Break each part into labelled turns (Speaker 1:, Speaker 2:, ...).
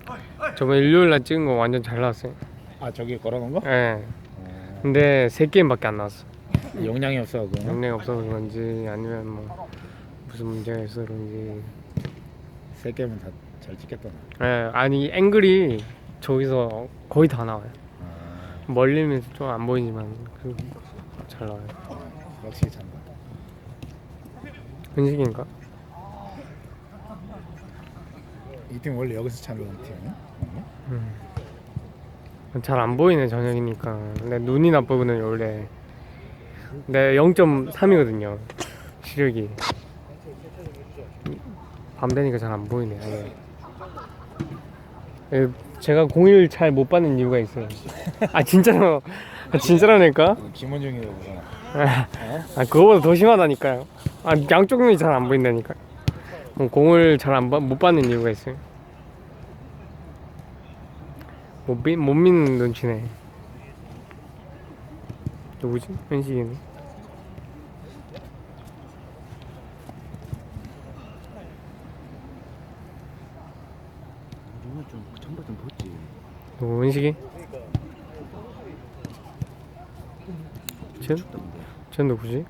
Speaker 1: 저번 일요일날 찍은 거 완전 잘 나왔어요.
Speaker 2: 아 저기 걸어놓은 거?
Speaker 1: 예. 근데 3게임밖에 안 나왔어.
Speaker 2: 용량이 없어 그거.
Speaker 1: 용량이 없어서 그런지 아니면 뭐 무슨 문제가 있어서 그런지.
Speaker 2: 3개면 다 잘 찍겠다.
Speaker 1: 예, 아니 앵글이 저기서 거의 다 나와요. 멀리면서 좀 안 보이지만 잘 나와요.
Speaker 2: 역시 잘한다.
Speaker 1: 현식인가?
Speaker 2: 이 팀 원래 여기서 찾는 팀이야?
Speaker 1: 잘 안 보이네 저녁이니까. 내 눈이 나쁘거든요 원래. 내 0.3이거든요 시력이. 밤 되니까 잘 안 보이네. 아예. 제가 공일 잘 못 받는 이유가 있어요. 아 진짜로. 아, 진짜라니까?
Speaker 2: 김원중이라고.
Speaker 1: 아 그거보다 더 심하다니까요. 아 양쪽 눈이 잘 안 보인다니까. 공을 잘 못 받는 이유가 있어요. 못 믿는 눈치네. 누구지? 현식이네.
Speaker 3: 이거 좀 전부 좀 벗지.
Speaker 1: 누구 현식이? 쟤 누구지?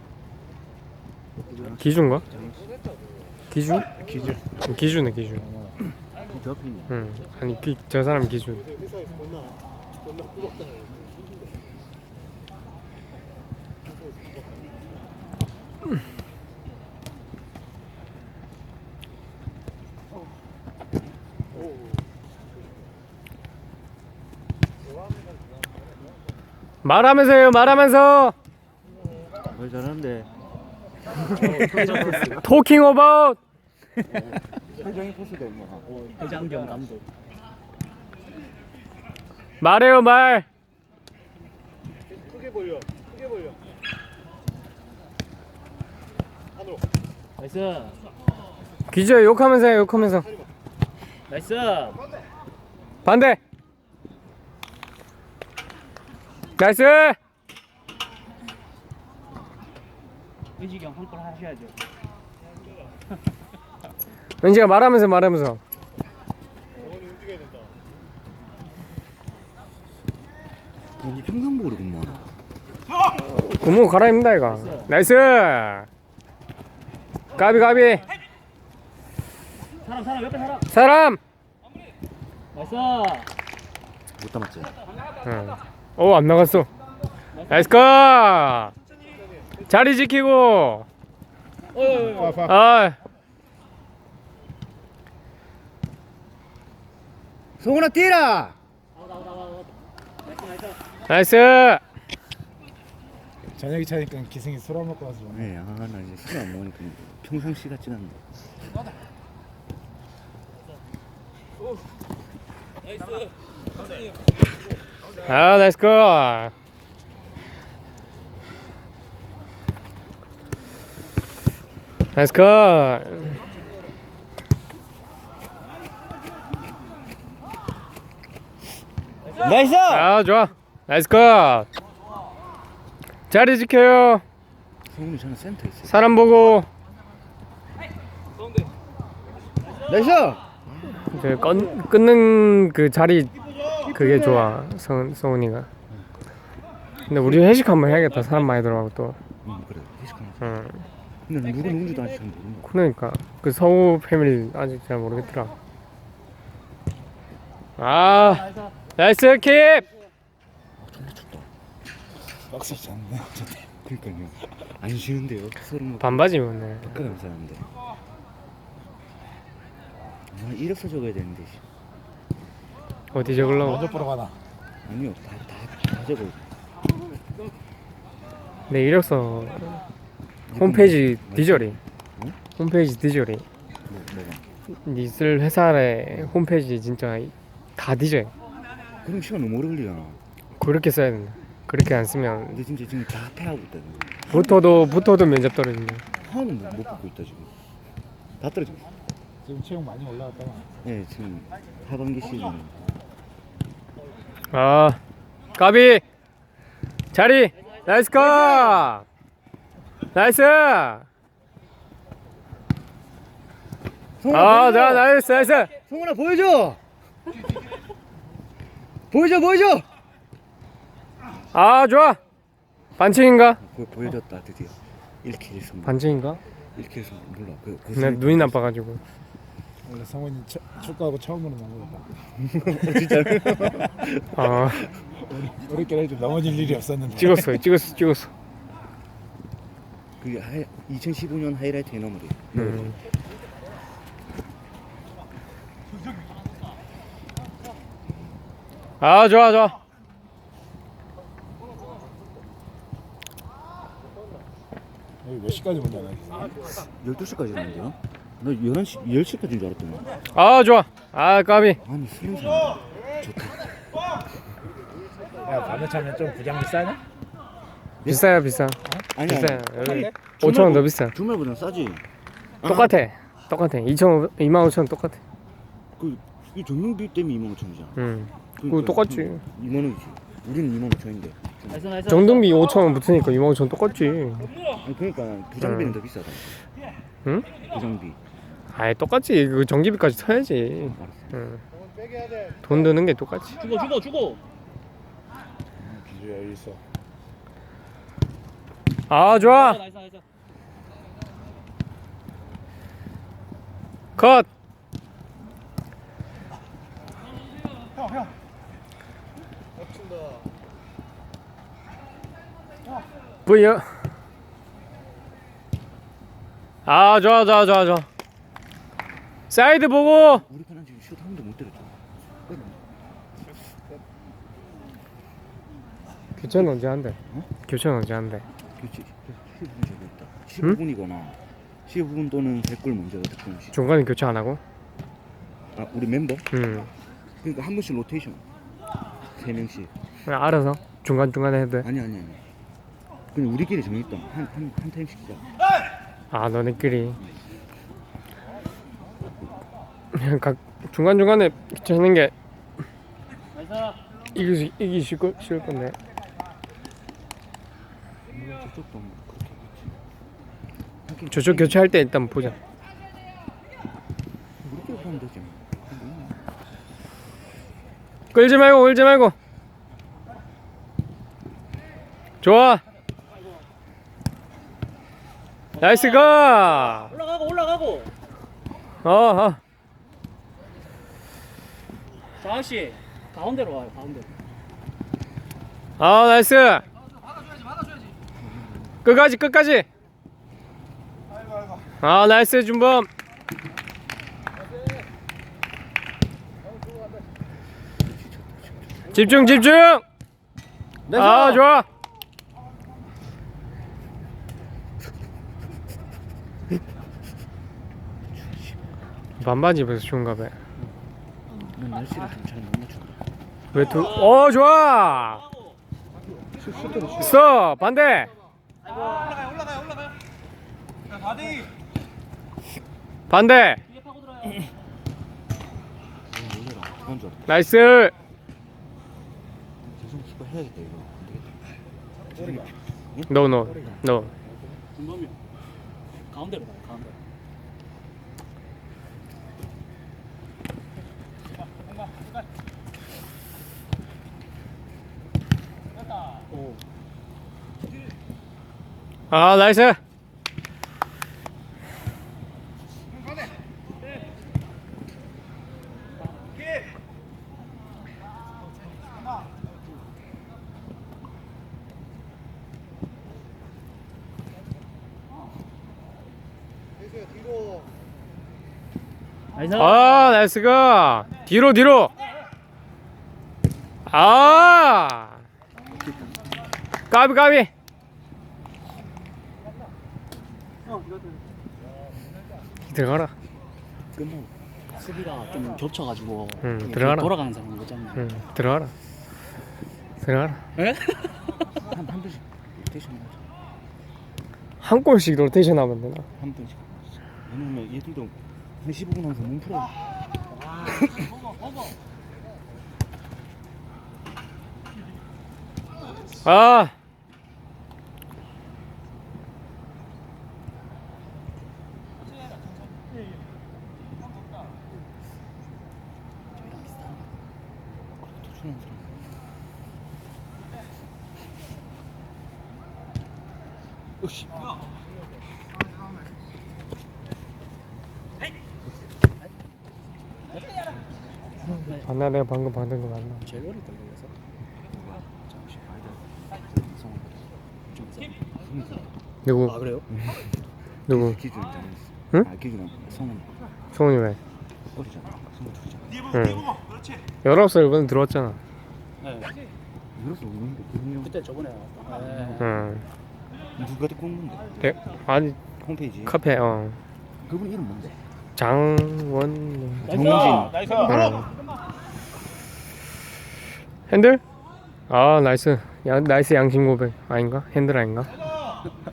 Speaker 1: 기준가? 기준? 기준네 기준.
Speaker 3: 저 앞에 있네.
Speaker 1: 응. 아니 저 사람 기준. 말하면서요 말하면서.
Speaker 3: 말 잘하는데.
Speaker 1: 토킹 어바웃.
Speaker 3: 회장이 포스도 뭐. 회장경 감독.
Speaker 1: 말해요 말.
Speaker 4: 크게 벌려. 안으로.
Speaker 3: 나이스.
Speaker 1: 기주야 욕하면서 해 욕하면서.
Speaker 3: 나이스.
Speaker 1: 반대. 나이스.
Speaker 3: 의식이 형 한 골 하셔야죠.
Speaker 1: 은지가 말하면서.
Speaker 4: 영원히 움직여야 된다.
Speaker 3: 우리 평상복으로구만.
Speaker 1: 고무 갈아입는다 이거. 나이스. 까비.
Speaker 3: 사람 옆에 사람.
Speaker 1: 사람.
Speaker 3: 나이스. 못 담았지.
Speaker 1: 응. 안 나갔어. 나이스 컷. 자리 지키고. 아.
Speaker 2: 성훈아 뛰라.
Speaker 1: 나이스.
Speaker 2: 저녁이 차니까 기승이 술 안 먹고 와서.
Speaker 3: 네, 나 이제 술 안 먹으니까 평상시 같진 않네.
Speaker 1: 아 나이스 컷. 나이스 컷.
Speaker 2: 나이스.
Speaker 1: 아 좋아. 나이스 컷. 자리 지켜요.
Speaker 3: 성훈이 저는 센터에 있어요.
Speaker 1: 사람 보고.
Speaker 2: 나이스.
Speaker 1: 끊는 그 자리 그게 좋아 성훈이가. 근데 우리 회식 한번 해야겠다. 사람 많이 들어가고 또.
Speaker 3: 그래. 회식하면서.
Speaker 1: 응.
Speaker 3: 근데 누구 누군지도 아직 잘 모르는 거.
Speaker 1: 그러니까 그 서우 패밀리 아직 잘 모르겠더라. 아 나이스 킵.
Speaker 3: 존나 춥다.
Speaker 2: 빡세 잤네.
Speaker 3: 그러니까요. 안 쉬는데요. 서로 뭐
Speaker 1: 반바지 입었네.
Speaker 3: 바꿔가면서 하는데. 이력서 적어야 되는데.
Speaker 1: 어디 적으려고?
Speaker 2: 먼저 보러 가나.
Speaker 3: 아니요. 다 적어.
Speaker 1: 내 이력서 홈페이지 디저리.
Speaker 3: 응?
Speaker 1: 홈페이지 디저리.
Speaker 3: 뭐가?
Speaker 1: 있을 회사의 홈페이지 진짜 다 디저요.
Speaker 3: 그럼 시간 너무 오래 걸리잖아.
Speaker 1: 그렇게 써야 된다. 그렇게 안 쓰면
Speaker 3: 근데 진짜 지금 다 패하고 있다.
Speaker 1: 붙어도 면접 떨어진다.
Speaker 3: 하나는 못 붙고 있다 지금. 다 떨어지고 있어.
Speaker 2: 지금 체육 많이 올라갔다가.
Speaker 3: 네, 지금 하반기 시즌.
Speaker 1: 아 까비 자리 나이스 컷. 나이스.
Speaker 3: 성훈아 보여줘.
Speaker 1: 나이스.
Speaker 3: 성훈아 보여줘. 보여줘 보여줘.
Speaker 1: 아 좋아. 반칙인가?
Speaker 3: 보여줬다 드디어. 이렇게 해서
Speaker 1: 반칙인가?
Speaker 3: 이렇게 해서 몰라.
Speaker 1: 내 눈이 나빠가지고.
Speaker 2: 원래 성훈이 축구하고 처음으로 넘어졌다.
Speaker 3: 진짜.
Speaker 1: 아
Speaker 2: 우리끼리 좀 넘어질 일이 없었는데.
Speaker 1: 찍었어.
Speaker 3: 그게 2015년 하이라이트에 넘어리.
Speaker 1: 아 좋아.
Speaker 2: 여기 몇 시까지 문 닫아?
Speaker 3: 12시까지 했는데요? 나 11시, 10시까지인 줄 알았더니.
Speaker 1: 아 좋아. 아 까비.
Speaker 3: 아니 수능사 좋다.
Speaker 2: 야 밤에 차면 좀 부장 비싸냐?
Speaker 1: 비싸요 비싸.
Speaker 3: 아니
Speaker 1: 비싸요. 여기
Speaker 3: 주말보-
Speaker 1: 5,000원 더 비싸.
Speaker 3: 주말보다 싸지.
Speaker 1: 똑같아. 25,000원 똑같아.
Speaker 3: 이 전용비 때문에 25,000원이잖아.
Speaker 1: 응. 그거 똑같지.
Speaker 3: 2만 원이지. 우리는 2,500원인데.
Speaker 1: 정등비 5,000원 붙으니까 25,000원 똑같지.
Speaker 3: 아니 그러니까 부장비는 더 비싸다.
Speaker 1: 응?
Speaker 3: 부장비.
Speaker 1: 아예 똑같지. 그 전기비까지 쳐야지.
Speaker 3: 알았어.
Speaker 1: 응.
Speaker 4: 빼게 돼.
Speaker 1: 돈 드는 게 똑같지.
Speaker 5: 주고.
Speaker 2: 기주야 여기 있어.
Speaker 1: 아 좋아.
Speaker 5: 나이스.
Speaker 1: 컷.
Speaker 4: 겹친다.
Speaker 1: V요. 아 좋아. 사이드 보고.
Speaker 3: 우리 편은 지금 슛 한 번도 못 때렸죠.
Speaker 1: 교체는 언제 한대?
Speaker 3: 어?
Speaker 1: 교체는 언제 한대?
Speaker 3: 그렇지. 15분 제거했다. 15분이거나 15분 또는 100골 먼저 득점 시.
Speaker 1: 중간에 교체 안 하고?
Speaker 3: 아 우리 멤버?
Speaker 1: 응.
Speaker 3: 그러니까 한 번씩 로테이션. 3명씩.
Speaker 1: 그냥 알아서 중간에 해도 돼.
Speaker 3: 아니. 그냥 우리끼리 정했다. 한 타임씩 시작.
Speaker 1: 아 너네끼리 그냥 각 중간에 교체하는 게 이기 쉬울 건데.
Speaker 3: 저쪽도 뭐 그렇게 하겠지.
Speaker 1: 저쪽 교체할 때 일단 보자.
Speaker 3: 우리끼리 하면 되지.
Speaker 1: 끌지 말고. 좋아. 나이스 가.
Speaker 5: 올라가고.
Speaker 1: 어.
Speaker 5: 장학씨 가운데로 와요. 가운데로.
Speaker 1: 아 나이스. 끝까지. 아 나이스 준범. 집중. 아 좋아. 반바지 입어서 좋은가 봐.
Speaker 3: 난 날씨를 좀 잘 못 맞춘다.
Speaker 1: 좋아. 스톱 반대. 반대.
Speaker 3: 놀래라. 그런 줄 알았다.
Speaker 1: 나이스.
Speaker 3: 재성 키퍼 해야겠다 이거. 안 되겠다.
Speaker 1: 노.
Speaker 5: 준범이 가운데로 가요. 가운데. 오.
Speaker 1: 아 나이스.
Speaker 4: 뒤로.
Speaker 5: 나이스.
Speaker 1: 아 나이스 가. 뒤로. 아 까비. 들어가라.
Speaker 3: 끝나고.
Speaker 5: 수비가 좀 겹쳐가지고 이게
Speaker 1: 들어가라.
Speaker 5: 돌아가는 사람 거잖아.
Speaker 1: 들어가라.
Speaker 5: 에?
Speaker 3: 한 번씩 로테이션 하자.
Speaker 1: 한 골씩 로테이션 하면 되나?
Speaker 3: 한 번씩. 왜냐면 얘들도 한 15분 하면서 몸 풀어.
Speaker 1: 아
Speaker 3: 성훈 사람. 으씨.
Speaker 1: 맞나? 내가 방금 받은 거 맞나?
Speaker 5: 제일 어릴 걸 그래서.
Speaker 3: 잠시 아이들. 성훈. 좀 세.
Speaker 1: 누구?
Speaker 5: 아 그래요?
Speaker 1: 누구?
Speaker 3: 기준 있잖아.
Speaker 1: 응?
Speaker 3: 아 기준 성훈.
Speaker 1: 성훈이 왜?
Speaker 3: 어리잖아. 성훈 둘이잖아.
Speaker 1: 응. 19살 이번에 들어왔잖아.
Speaker 5: 네.
Speaker 3: 이래서 우는데 그냥
Speaker 5: 그때 저번에 나왔다. 네.
Speaker 1: 응.
Speaker 3: 누가 데리고 온 건데?
Speaker 1: 아니
Speaker 3: 홈페이지.
Speaker 1: 카페
Speaker 3: 그분 이름 뭔데?
Speaker 1: 장원.
Speaker 3: 정민진.
Speaker 1: 응. 핸들? 아 나이스. 나이스 양심 고백 아닌가? 핸들 아닌가?